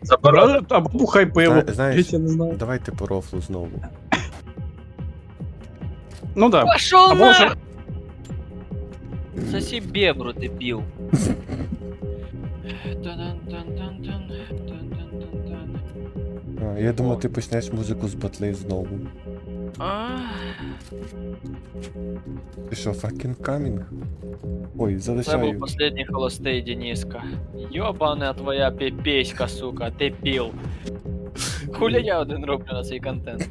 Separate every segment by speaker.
Speaker 1: Заборонено.
Speaker 2: Або бухай пиво.
Speaker 3: Знаєш,
Speaker 2: Я не знаю.
Speaker 3: давайте по рофлу знову.
Speaker 2: Ну да.
Speaker 4: Пошел
Speaker 2: Або вже...
Speaker 4: на! Соси бебру, дебил.
Speaker 3: Я думав, ти почнеш музику з батли знову. Ти що, fucking coming? Ой,
Speaker 4: Це був
Speaker 3: залишаю.
Speaker 4: последній холостий Дениска. Йобана твоя піпеська, сука, дебіл. Хуля я один роблю на цей контент.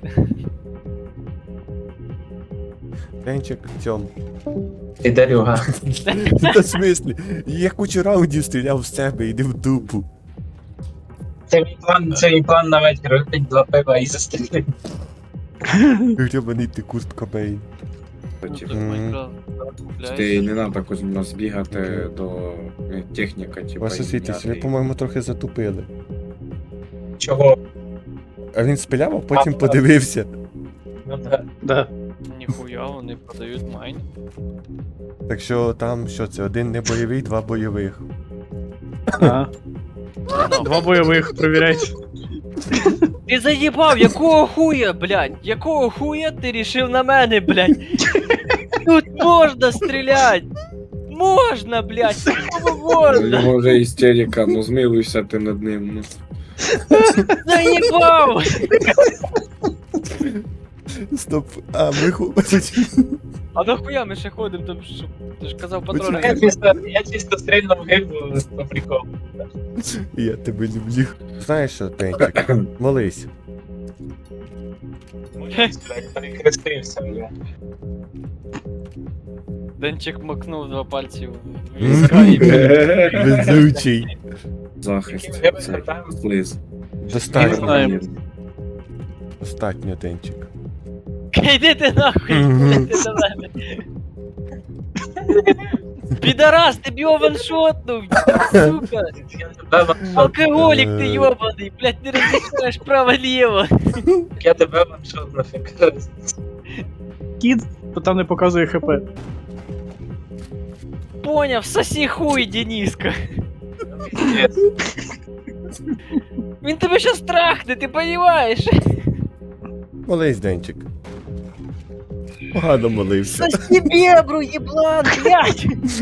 Speaker 3: Денчик, цьом.
Speaker 1: Ти Дарюга.
Speaker 3: Та в смислі? Я кучу раундів стріляв в себе, іди в дупу.
Speaker 1: Це мій план на вечір. Випить 2 пива і застрілити.
Speaker 3: Гребаний ти Курт Кобейн.
Speaker 5: Ти не треба Кузьма збігати до техніка, типа.
Speaker 3: Ваша світлість, ви, по-моєму, трохи затупили.
Speaker 1: Чого?
Speaker 3: А він спиляв, а потім подивився.
Speaker 1: Ну так.
Speaker 2: Да.
Speaker 4: Ніхуя, вони продають майн.
Speaker 3: Так що там, що це, один не бойовий, 2 бойових.
Speaker 2: Ага. 2 бойових, провіряйте.
Speaker 4: Ти заїбав, якого хуя, блядь? Якого хуя ти рішив на мене, блядь? Тут можна стрілять! Можна, блядь! Кому
Speaker 5: У
Speaker 4: можна?
Speaker 5: нього вже істерика, ну змилуйся ти над ним. Ну.
Speaker 4: Заїбав!
Speaker 3: Стоп, а ми
Speaker 4: А нахуя ми ще ходимо там, що ти ж казав патрони.
Speaker 1: Я чисто стрільнув гибу по приколу.
Speaker 3: Я тебе люблю. Знаєш що, Пенчик, молись.
Speaker 1: Блядь, перехрестився, бля.
Speaker 4: Денчик макнув 2 пальці в візка і
Speaker 3: Везучий.
Speaker 5: Захист.
Speaker 1: Я
Speaker 5: Це
Speaker 1: питаю.
Speaker 5: слиз.
Speaker 3: Достатньо,
Speaker 2: знаємо.
Speaker 3: достатньо, Денчик.
Speaker 4: Йди ти нахуй, йди до мене. Підарас, ти б його ваншотнув, сука.
Speaker 1: Я тебе ваншот.
Speaker 4: Алкоголік ти йобаний, блядь, не розрішаєш право-ліво.
Speaker 1: Я тебе ваншот нафіг.
Speaker 2: Кіт, то там не показує ХП.
Speaker 4: Поняв, сосі хуй, Дениска. Він тебе щас трахне, ти понімаєш?
Speaker 3: Молись, Денчик. Погано молився.
Speaker 4: Сосі бебру, єблан, блядь.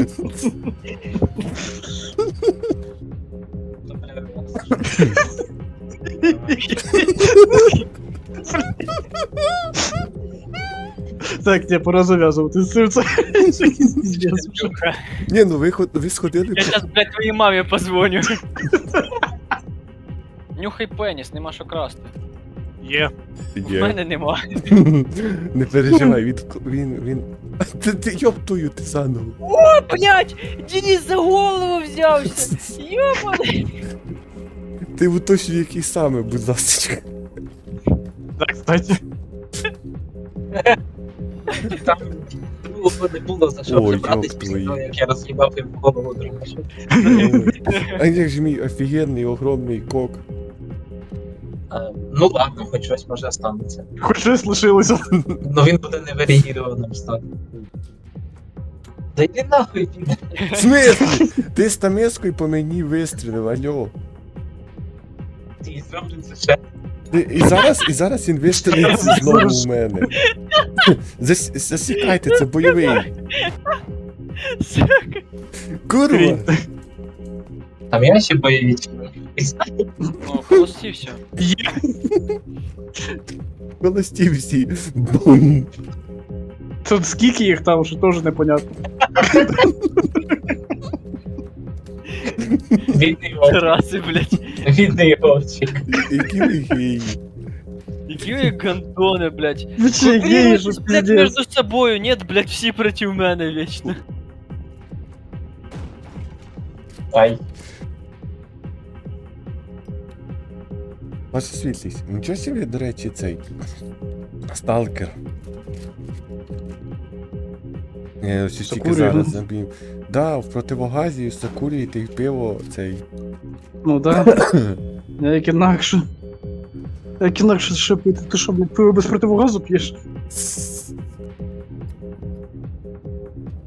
Speaker 2: Так, тебе пора зав'язувати з цим. Це якийсь піздець.
Speaker 3: Ні, ну ви сходили.
Speaker 4: Я щас, блядь, твоїй мамі позвоню. Нюхай пеніс, нема що красти.
Speaker 2: Є.
Speaker 4: В мене нема.
Speaker 3: Не переживай, він. Ти йоптую, ти заново.
Speaker 4: О, блядь, Денис за голову взявся. Йобаний.
Speaker 3: Ти уточнюй, який саме, будь ласка.
Speaker 2: Так, кстати.
Speaker 1: Там не було за що
Speaker 3: Ой,
Speaker 1: прибратись
Speaker 3: ёб
Speaker 1: після
Speaker 3: твою.
Speaker 1: того, як я роз'їбав їм голову другу.
Speaker 3: А як же мій офігенний, огромний кок.
Speaker 1: Ну ладно, хоч щось може останеться.
Speaker 2: Хоч щось лишилося.
Speaker 1: Ну він буде неварігірованим стати. Да йди нахуй, піде.
Speaker 3: В смислі? Ти з тамескою по мені вистрілив, альо.
Speaker 1: Ти зроблю це ще.
Speaker 3: І зараз він вистрілиться знову у мене. Засікайте, це бойовий. Курва!
Speaker 1: Там я ще бойові.
Speaker 4: Ну, холостівся.
Speaker 2: Є.
Speaker 3: Холості всі. Бум.
Speaker 2: Тут скільки їх там, що теж непонятно.
Speaker 1: Бідний вовчик.
Speaker 4: Раси, блядь.
Speaker 1: Бідний вовчик.
Speaker 3: Які ви геї.
Speaker 4: Які ви гандони, блядь.
Speaker 2: Ви че, геї, що
Speaker 4: Блядь,
Speaker 2: піздець.
Speaker 4: между собою, нет, блядь, всі проти мене вічно.
Speaker 1: Ай.
Speaker 3: Ваша світлість, нічого собі, до речі, цей сталкер. Я ось тільки
Speaker 2: Закурює,
Speaker 3: зараз
Speaker 2: ну.
Speaker 3: забив. Да, в противогазі закурюєте і пиво цей.
Speaker 2: Ну да. Як інакше. Як інакше ще пити? Ти що, блядь, пиво без противогазу п'єш?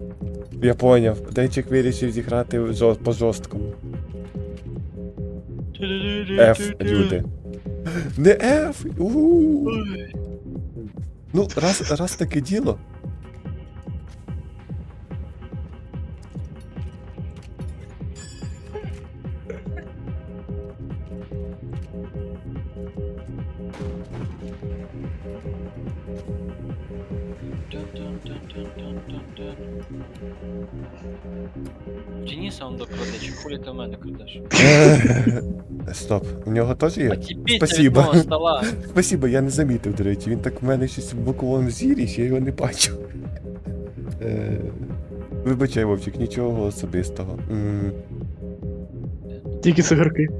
Speaker 3: Я поняв. Денчик вирішив зіграти по жорсткому. F, люди. Не F! У-у-у. Ну, раз таке діло.
Speaker 4: Дениса он докладе, чи хулі ти в мене крадеш?
Speaker 3: Стоп, у нього теж є?
Speaker 4: Отіпіться від
Speaker 3: Спасибо.
Speaker 4: мого стола.
Speaker 3: Спасибо, я не замітив, до речі. Він так в мене щось в боковому зірі, ще я його не бачу. Вибачай, Вовчик, нічого особистого.
Speaker 2: Тільки цигарки.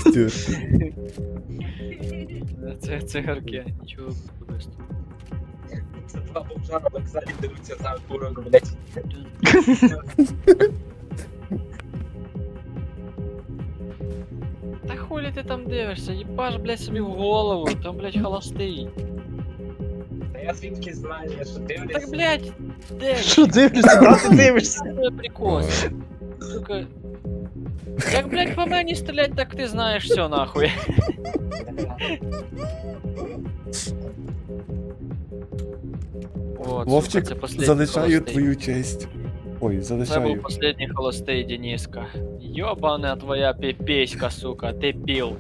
Speaker 4: Це цигарки, нічого особистого.
Speaker 1: Це два бомжа на вокзалі дивляться за курок, блядь.
Speaker 4: Та хулі ти там дивишся, їбаш, блядь, собі в голову, там, блядь, холостий.
Speaker 1: Та я звідки знаю, що дивляться.
Speaker 4: Так, блядь, де?
Speaker 2: Що дивишся, брат, ти дивишся?
Speaker 4: Це прикос. Сука. Як, блядь, по мені стрілять, так ти знаєш все, нахуй. От,
Speaker 3: Вовчик,
Speaker 4: сука, це последній
Speaker 3: залишаю
Speaker 4: холостий.
Speaker 3: твою честь. Ой,
Speaker 4: Це був
Speaker 3: залишаю.
Speaker 4: последній холостий, Дениска. Ёбаная твоя пипеська, сука, ти пил.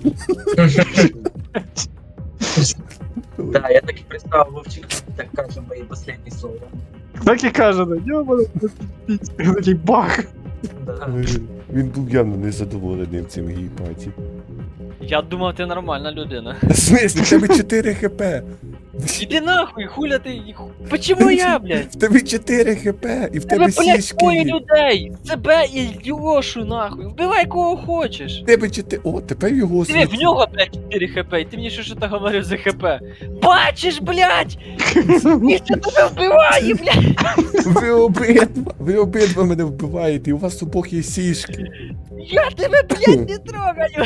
Speaker 1: Да, я так і представив, Вовчик так каже мої останні слова.
Speaker 2: Так і каже, да, йобана, такий бах.
Speaker 1: Да.
Speaker 3: Він був явно незадоволений цим гейпаті.
Speaker 4: Я думав, ти нормальна людина.
Speaker 3: В смислі, в тебе 4 хп.
Speaker 4: Іди нахуй, хуля ти. Почему я, блядь?
Speaker 3: В тебе 4 хп, і в
Speaker 4: Тебе,
Speaker 3: тебе
Speaker 4: блядь,
Speaker 3: сішки
Speaker 4: двоє
Speaker 3: є.
Speaker 4: людей! Себе і Льошу, нахуй! Вбивай кого хочеш!
Speaker 3: В тебе 4... О, тепер його
Speaker 4: Диви, в нього, блядь, 4 хп, і ти мені що то говорив за хп. Бачиш, блядь! Ніхто тебе вбиває, блядь!
Speaker 3: Ви обидва мене вбиваєте, і у вас обох є сішки.
Speaker 4: Я тебе, блядь, не трогаю!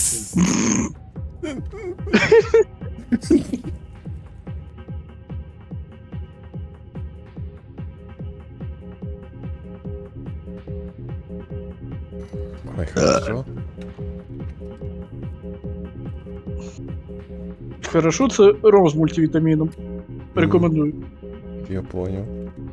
Speaker 3: Ой, хорошо.
Speaker 2: Хорошо, це ром з мультивітаміном. Рекомендую.
Speaker 3: Я понял.